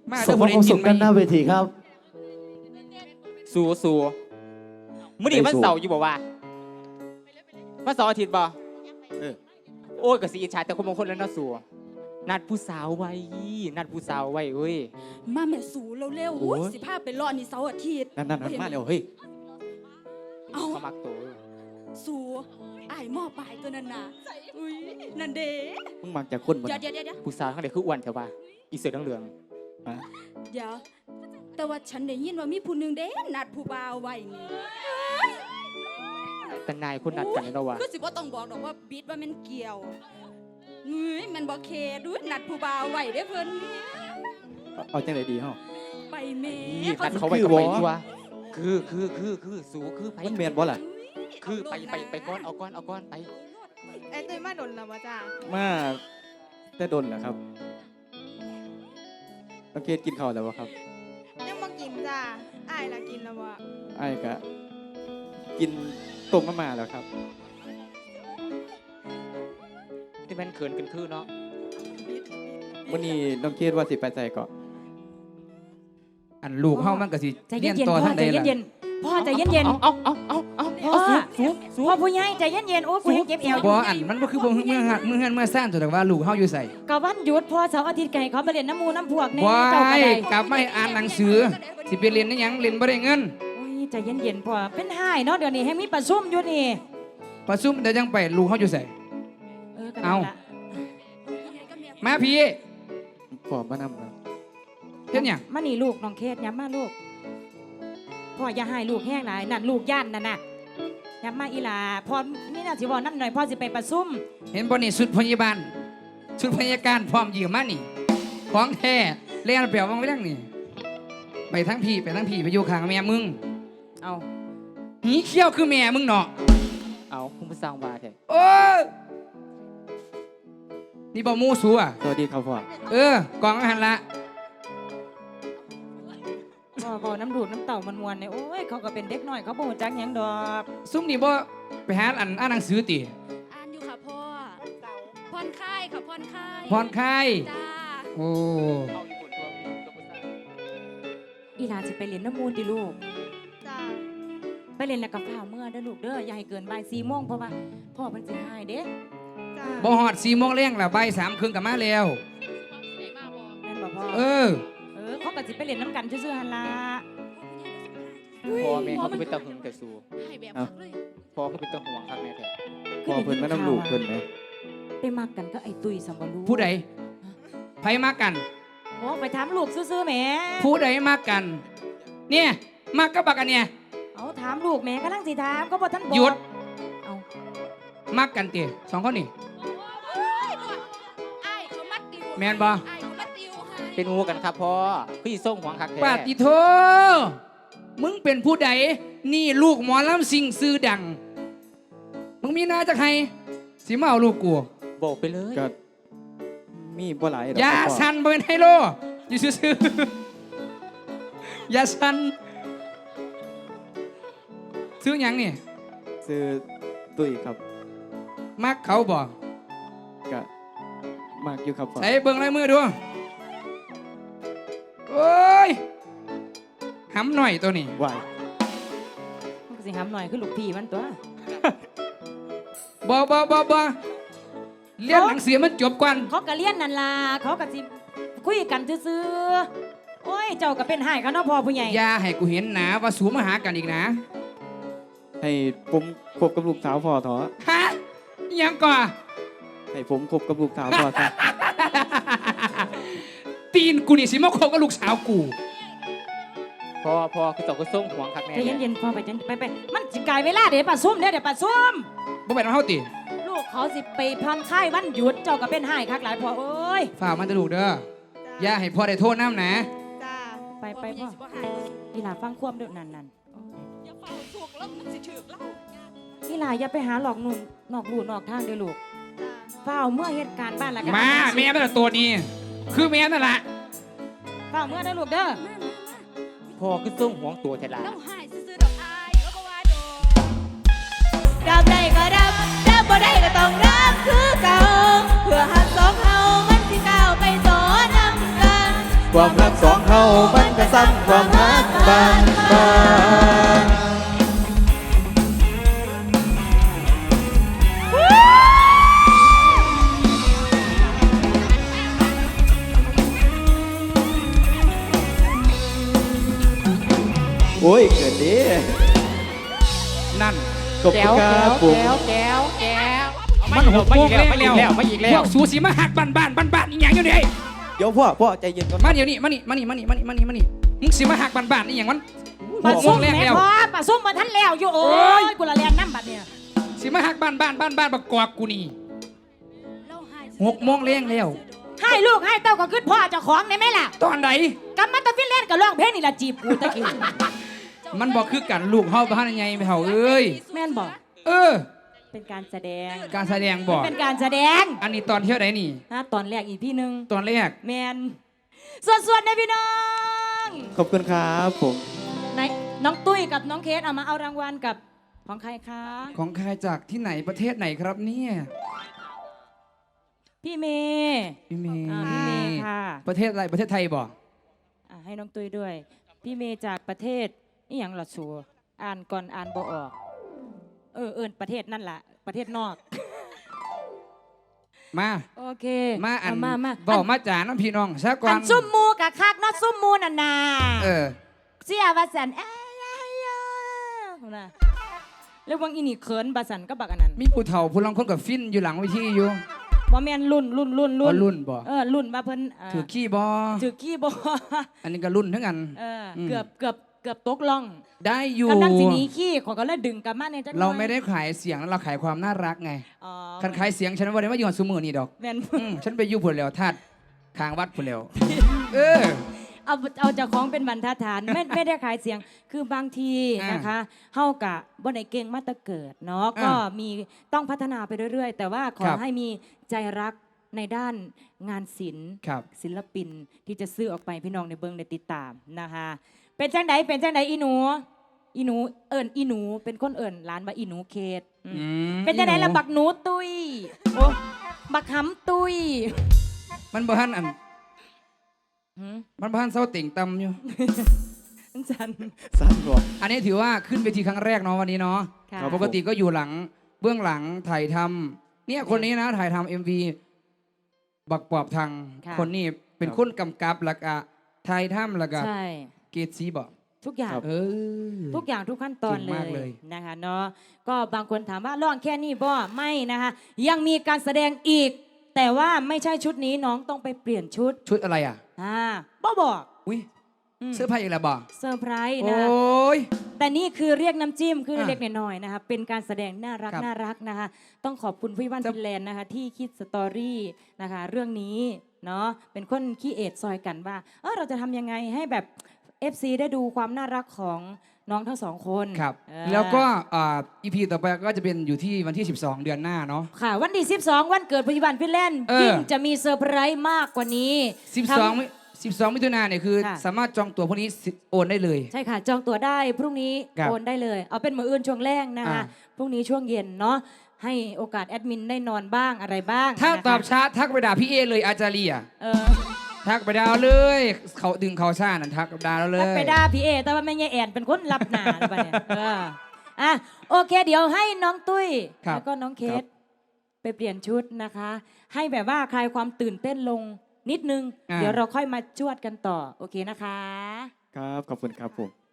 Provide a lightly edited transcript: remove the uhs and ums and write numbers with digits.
สมความสุขกันหน้าเวทีครับสู้มื้อนี้วันเสาร์อยู่บ่ว่าวันเสาร์อาทิตย์บ่โอ้ยก็สิอิจฉาแต่คนบางคนแล้วเนาะสู้นัดผู้สาวไว้เอ้ยมาแม่สูเร็วๆสิพาไปรอนี่เสาร์อาทิตย์นั่นมาเร็วเฮ้ยเอามามักตัวสูอ้ายหม้อปลายตัวนั้นน่ะอุ้ยนั่นเด้มึงมักจากคนบ่เดี๋ยวผู้สาวทั้งใดคืออ้วนแถวว่าอีเสือทั้งเหลืองเดี๋ยวแต่ว่าฉันได้ยินว่ามีผู้นึงเด้นัดผู้บ่าวไว้นี่แต่นายคนนัดกันแล้วว่าคือสิบ่ต้องบอกดอกว่าบิดว่ามันเกี่ยวมันบ่เคดูนัดผู้บ่าวไว้เด้เพิ่นเอาจังได๋ดีเฮาไปแม่นัดเขาไว้กับไปตัวคือสู้คือไปมันแม่นบ่ล่ะคือไปก้อนเอาก้อนไปไอ้ตุ้ยมาดนแล้วบ่จ้ามาแต่ดนเหรอครับน้องเกดกินข้าวแล้วบ่ครับยังบ่กินจ้าอ้ายล่ะกินแล้วบ่อ้ายก็กินต้มมะม่าแล้วครับที่มันเขินกันคือเนาะวันนี้น้องเกดว่าสิไปใส่เกาะอันลูกเฮามันก็สิเรียนต่อทางใดล่ะพ่อใจเย็นๆเอาพ่อผู้ใหญ่ใจเย็นๆโอ้กูเจ็บเอวบ่อันมันบ่คือบ่เมื่อหักมื้อเฮือนเมื่อซ่านตัวแต่ว่าลูกเฮาอยู่ไสก็วันหยุดพ่อเสาร์อาทิตย์ไก่เขาไปเล่นน้ำมูน้ำพวกแน่เจ้าก็ได้กลับมาอ่านหนังสือสิไปเรียนได้หยังเรียนบ่ได้เงินโอ้ยใจเย็นๆพ่อเป็นไห้เนาะเดี๋ยวนี้ให้มีประชุมอยู่นี่ประชุมเดี๋ยวยังไปลูกเฮาอยู่ไสเอามาพี่พ่อมานำครับเฮ็ดหยังมานี่ลูกน้องเคสย้ำมาลูกพ่ออย่าให้ลูกแห้งหลายนั่นลูกย่านนั่นน่ะย้ำมาอีหลาพ่อนี่น่าสิบอกน้ำหน่อยพ่อสิไปประชุมเห็นบ่นี่ชุดพยาบาลชุดพยาการพร้อมยืมมานี่ของแท้เล่นเปล่าวังไว้ดังนี่ไปทั้งพี่ไปอยู่ข้างแม่มึงเอาหีเขี้ยวคือแม่มึงเนาะเอาคุณผู้สร้างบาแท้โอ้นี่บ่มูสูอ่ะสวัสดีครับพ่อกองอาหารละพ่อน้ำดูดน้ำเต่ามันมวนเนี่ยโอ้ยเขาก็เป็นเด็กน้อยเขาบ่รู้จักหยังดอกซุ่มนี่บ่ไปหาอ่านหนังสือติอ่านอยู่ค่ะพ่อผ่อนคลายค่ะผ่อนคลายจ้าโอ้อีหลาสิไปเรียนน้ำมูลดิลูกจ้าไปเรียนแล้วก็ฝ้าเมื่อเด้อลูกเด้ออย่าให้เกินบ่าย 4 โมงเพราะว่าพ่อมันสิหายเด้บ่ฮอด 4 โมงแรงแล้วบ่าย 3 ครึ่งก็มาแล้วแม่นบ่พ่อเขาก็สิไปเรียนน้ำกันซื่อๆหั่นล่ะพ่อแม่เขาเป็นตาหึงแต่สู้พ่อเขาเป็นตาห่วงคักแน่แท้พ่อเพิ่นมานำลูกเพิ่นมั้ยไปมักกันก็ไอ้ตุ้ยสัมบ่รู้ผู้ใดไผมักกันโอ้ไปถามลูกซื่อๆแหมผู้ใดมักกันเนี่ยมักกับบักอันเนี่ยเอาถามลูกแหมกำลังสิถามก็บ่ทันบอกหยุดเอามักกันติ2คนนี่แม่นบ่เป็นงูกันครับพ่อพี่ส่งหวังคักแท้ปาติโทมึงเป็นผู้ใดนี่ลูกหมอลำสิ่งซื้อดังมึงมีหน้าจากใครสิมาเอาลูกกูบอกไปเลยก็มีบ่หลายอย่าสั่นเป็นไฮโลอยู่ซื่ออย่าสั่นซื้อหยังนี่ซื้อตุ้ยครับมักเขาบ่ก็มักอยู่ครับใส่เบิ่งลายมือดูโอ้ยหำหน่อยตัวนี้วายมันสิหำหน่อยคือลูกพี่มันตัวบ่เรียนหนังสือมันจบก่อนเขาก็เรียนนั่นล่ะเขาก็สิคุยกันซื่อๆโอ้ยเจ้าก็เป็นให้เขาเนาะพ่อผู้ใหญ่อย่าให้กูเห็นหนาว่าสูมาหากันอีกนะให้ผมคบกับลูกสาวพ่อเถอะฮะยังก่อให้ผมคบกับลูกสาวพ่อซะตีนกูนี่สิมาคบกับลูกสาวกูพ่อคือเจ้าก็ส่งหวังคักแน่ใจเย็นๆพ่อไปมันสิกลายเวลาเดี๋ยวป่าซุ่มเดี๋ยวป่าซุ่มบ่เป็นเฮาติลูกเขาสิไปผ่อนคลายวันหยุดเจ้าก็เป็นให้คักหลายพ่อเอ้ยฝากมันจะลูกเด้ออย่าให้พ่อได้โทษน้ำนะจ้าไปพ่ออีหลาฟังความเด้อนั่นอย่าเฝ้าสุกแล้วมันสิถึกแล้วอีหลาอย่าไปหาหลอกหนุ่มนอกลู่นอกทางเด้อลูกเฝ้าเมื่อเหตุการณ์บ้านละกันมาแม่เป็นตัวนี้คือแม่นั่นแหละเฝ้าเมื่อได้ลูกเด้อพ่อคือส่งหวงตัวแท้ล่ะแล้วหายซื่อๆดอกอายแล้วก็ว่าโดรับได้ก็รับบ่ได้ก็ต้องรับคือเก่าเพื่อหักสองเฮามันสิก้าวไปต่อนำกันความรักสองเฮามันก็ซ้ำความรักบางบางโอ้ยเกิดดีนั่นขอบคุณครับผมแก้วมันหกโมงแล้วมาอีกแล้วพวกสูสีมาหักบ้านอีหยังอยู่นี่เดี๋ยวพ่อใจเย็นก่อนมาเดี๋ยวนี้มานี่มึงสิมาหักบ้านอีหยังมันหปลากโมส้มงแรกแม่แล้วพ่อปลาส้มมาทันแล้วอยู่โอ้โอ้ยยกูละแลนน้ำบัดเนี่ยสิมาหักบ้านประกอบกูนี่เราหาย 6 โมงแรงแล้วให้ลูกให้เต้าก็ขึ้นพ่อเจ้าของได้ไหมล่ะตอนไหนกำมาตะฟินเล่นกับร้องเพลงนี่ละจีบกูตะกี้มันบอกคือกันลูกเฮาบ้านยังไงไม่เฮาเอ้ยแม่นบอกเออเป็นการแสดงการแสดงบอกเป็นการแสดงอันนี้ตอนเที่ยวไหนนี่ตอนแรกอีกพี่หนึงตอนแรกแมนส่วนนะพี่น้องขอบคุณครับผมไหนน้องตุ้ยกับน้องเคสเอามาเอารางวัลกับของใครคะของใครจากที่ไหนประเทศไหนครับเนี่ยพี่เมย์พี่เมย์พี่เมย์ค่ะประเทศอะไรประเทศไทยบอกให้น้องตุ้ยด้วย พี่เมย์จากประเทศนี่อย่างละชัวอ่านก่อนอ่านบ่ออก เอิญประเทศนั่นแหละประเทศนอกมาโอเคมาอันมาบอกมาจ่าน้องพี่น้องซะก่ออันนซุ่มมูกับคักเนอซุ่มมูน่ะนาเออเสียบาสันนะแล้ววังอีนี่เขินบาสันก็บักอันนั้นมีผู้เฒ่าผู้ลังคนกับฟินอยู่หลังเวทีอยู่บ่แม่นรุ่นอ๋อรุ่นบ่รุ่นมาเพิ่นถือขี้บอถือขี้บ่อันนี้ก็รุ่นทั้งกันเกือบตกล่องได้อยู่กำลังสิหนีขี้ขอยก็เลยดึงกลับมาเนี่ยจักหน่อยเราไม่ได้ขายเสียงแล้วเราขายความน่ารักไงอ๋อคันขายเสียงฉันว่าได้มาอยู่กับซูมือนี่ดอกแม่นฉันไปอยู่ผลแล้วทัดทางวัดผลแล้วเออเอาจากของเป็นบรรทัดฐานไม่ได้ขายเสียงคือบางทีนะคะเฮากะบ่ได้เก่งมาแตะเกิดเนาะก็มีต้องพัฒนาไปเรื่อยๆ แต่ว่าขอให้มีใจรักในด้านงานศิลป์ครับศิลปินที่จะซื้อออกไปพี่น้องในเบิงในติดตามนะคะเป็นจังไดอีหนูเอิญอีหนูเป็นคนเอิญร้านว่าอีหนูเคสเป็นจังไดละบักหนูตุยโอ้บักหำตุยมันบ่ทันอันมันบ่ทันเศร้าติ่งตำอยู่จันสั้นบอกอันนี้ถือว่าขึ้นเวทีครั้งแรกเนาะวันนี้เนาะค่ะปกติก็อยู่หลังเบื้องหลังถ่ายทำเนี่ยคนนี้นะถ่ายทำ MV บักปอบทางคนนี้เป็นคนกำกับแล้วก็ถ่ายทำแล้วก็ใช่เกตซีบอกทุกอย่างเออทุกอย่างทุกขั้นตอนเก่งเลมากเลยยนะคะเนาะก็บางคนถามว่าร้องแค่นี้บ่ไม่นะคะยังมีการแสดงอีก แต่ว่าไม่ใช่ชุดนี้น้องต้องไปเปลี่ยนชุดชุดอะไรอ่ะบ่บอกอุ้ยเสื้อผ้าอีกแล้วบอกเซอร์ไพรส์โอนะ้ยแต่นี่คือเรียกน้ำจิ้มคืออ่ะเล็กๆน้อยๆนะคะเป็นการแสดงน่ารักครับน่ารักนะคะต้องขอบคุณพี่วันจะฟินแลนด์นะคะที่คิดสตอรี่นะคะเรื่องนี้เนาะเป็นคนขี้เอดซอยกันว่าเราจะทำยังไงให้แบบ FC ได้ดูความน่ารักของน้องทั้งสองคนครับเออแล้วก็อีพีต่อไปก็จะเป็นอยู่ที่วันที่ 12 เดือนหน้าเนาะค่ะวันที่12 วันเกิดพี่วันฟินแลนด์เออยิ่งจะมีเซอร์ไพรส์มากกว่านี้ทำ 12 มิถุนายนเนี่ยคือค่ะสามารถจองตั๋วพวกนี้โอนได้เลยใช่ค่ะ จองตั๋วได้พรุ่งนี้ครับโอนได้เลย เอาเป็นมื้ออื่นช่วงแรกนะคะอ่าพรุ่งนี้ช่วงเย็นเนาะให้โอกาสแอดมินได้นอนบ้างอะไรบ้างถ้านะคะตอบช้าทักไปด่าพี่เอเลยอาจารีอ่ะเออทักไปดาวเลย เขาดึงเขาซ่านั่นทักกับดาวเลยทักไปด่าพี่เอแต่ว่าแม่ยายแอนเป็นคนรับหนาหรือเปล่าเนี่ยโอเค เดี๋ยวให้น้องตุ้ยครับแล้วก็น้องเคสไปเปลี่ยนชุดนะคะ ให้แบบว่าคลายความตื่นเต้นลงนิดนึง เดี๋ยวเราค่อยมาจวดกันต่อโอเคนะคะครับขอบคุณครับผม